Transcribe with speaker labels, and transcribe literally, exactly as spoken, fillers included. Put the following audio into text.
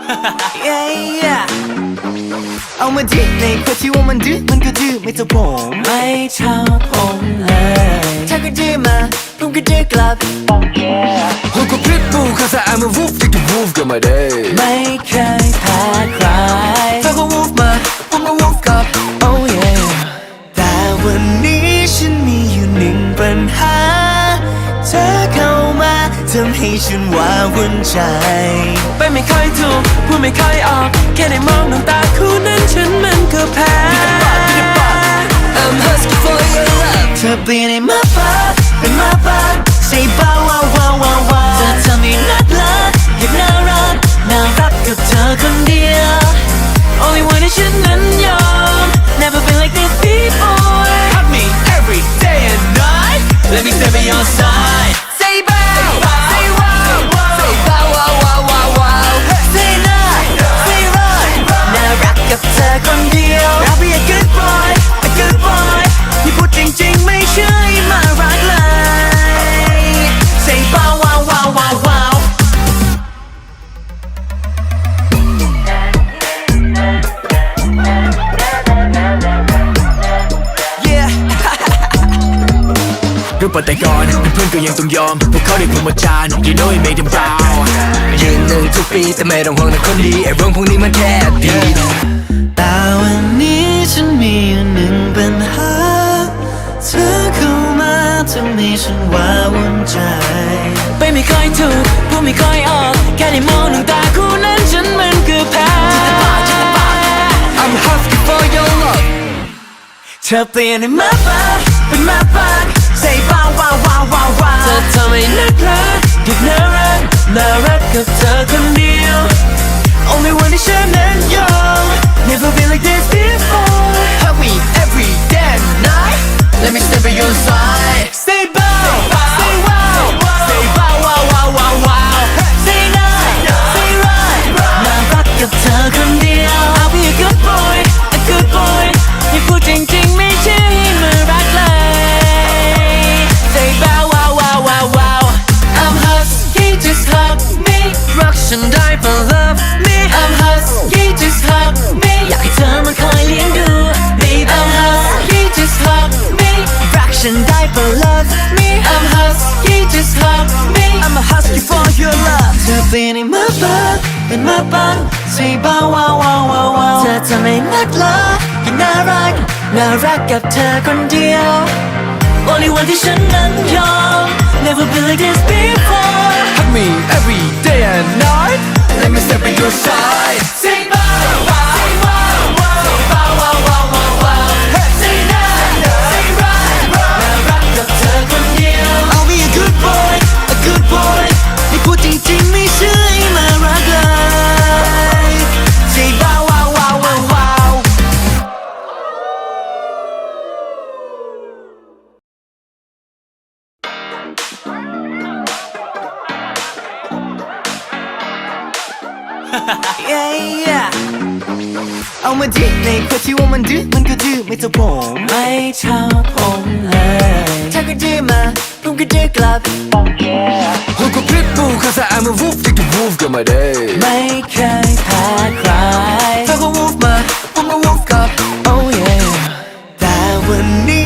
Speaker 1: yeah, yeah เอามาดิในคนที่ว่ามันดื้อมันก็ดื้อไม่เท่าผมไม่ชอบผมเลยถ้าก็ดื้อมาผมก็ดื้อกลับ
Speaker 2: Who could pit bull cause I'm a wolf take the wolf กันมาได้
Speaker 1: ไม่เคยแพ้ใครถ้าก็ wolf มาผมก็ wolf กลับ oh yeah แต่วันนี้ฉันมีอยู่หนึ่งปัญหาเธอเข้ามาทำให้ฉันว้าวุ่นใจไปไม่ค่อยถูกพูดไม่ค่อยออกแค่ได้มองน้ำตาคู่นั้นฉันมันก็แพ้ I'm husky for your love เธอเปลี่ยนให้มาปากเป็นมาปากใส่เบาว้าวว้าวว้าวว้าวเธอทำให้นักลักอยากน่ารักน่ารักกับเธอคนเดียว Only one ที่ฉันนั้นยอม Never been like this before Hug me every day and night Let me stay by your side Say bow Say wow Say bow wow wow wow wow Say night Say right น่ารักกับเธอคนเดียว I'll be a good boy A good boy ที่พูดจริงๆไม่ใช่มารักเลย Say bow wow wow wow wow Yeah
Speaker 2: รูปปฏิกรณ์เพื่อนก็ยังต้องยอมพวกเขาได้พรหมจรรย์ You know it made them bow ยืนหนึ่งทุกปีแต่ไม่ต้องห่วงนะคนดีไอ้เรื่องพวกนี้มันแค่ดี
Speaker 1: แต่วันนี้ฉันมีอยู่หนึ่งปัญหาเธอเข้ามาทำให้ฉันว้าวุ่นใจไปไม่ค่อยถูกพูดไม่ค่อยออกแค่ได้มองน้ำตาคู่นั้นฉันมันก็แพ้
Speaker 2: I'm husky for your love
Speaker 1: เธอเปลี่ยนให้มาปากเป็นมาปากใส่ว้าวว้าวว้าวว้าวว้าวเธอทำให้นักรักอยากน่ารักน่ารักกับเธอคนเดียว Only one ที่ฉันนั้นยอม Never been like this before Hug me every day and night Let me step by your side Say bow Say wow Say bow wow wow wow wow Say night Say right น่ารักกับเธอคนเดียว I'll be a good boy A good boy ที่พูดจริงๆไม่ใช่มารักเลย Say bow wow wow wow wow I'm husky just hug me รักฉันได้เพราะ love me I'm husky just hug me อยากให้เธอมาคอยเลี้ยงดู Baby I'm husky just hug me รักฉันได้เพราะ love me I'm husky just hug me I'm a husky for your love เธอเปลี่ยนให้มาปากเป็นมาปังใส่เบาว้าวว้าวว้าวว้าวเธอทำให้นักลักอยากน่ารักน่ารักกับเธอคนเดียว Only one ที่ฉันนั้นยอม Never been like this before
Speaker 2: Hug me every day and night Let me step by your side
Speaker 1: Say bow Say wow Say bow wow wow wow wow Say night Say right น่ารักกับเธอคนเดียว I'll be a good boy A good boy ที่พูดจริงๆไม่ใช่มารักเลย Say bow wow wow wow wow yeah yeah เอามาดิในคนที่ว่ามันดื้อมันก็ดื้อไม่เท่าผมไม่ชอบผมเลยถ้าก็ดื้อมาผมก็ดื้อกลับ
Speaker 2: Who could pit bull cause I'm a wolf take the wolf กันมาได้
Speaker 1: ไม่เคยแพ้ใครถ้าก็ wolf มาผมก็ wolf กลับ oh yeah แต่วันนี้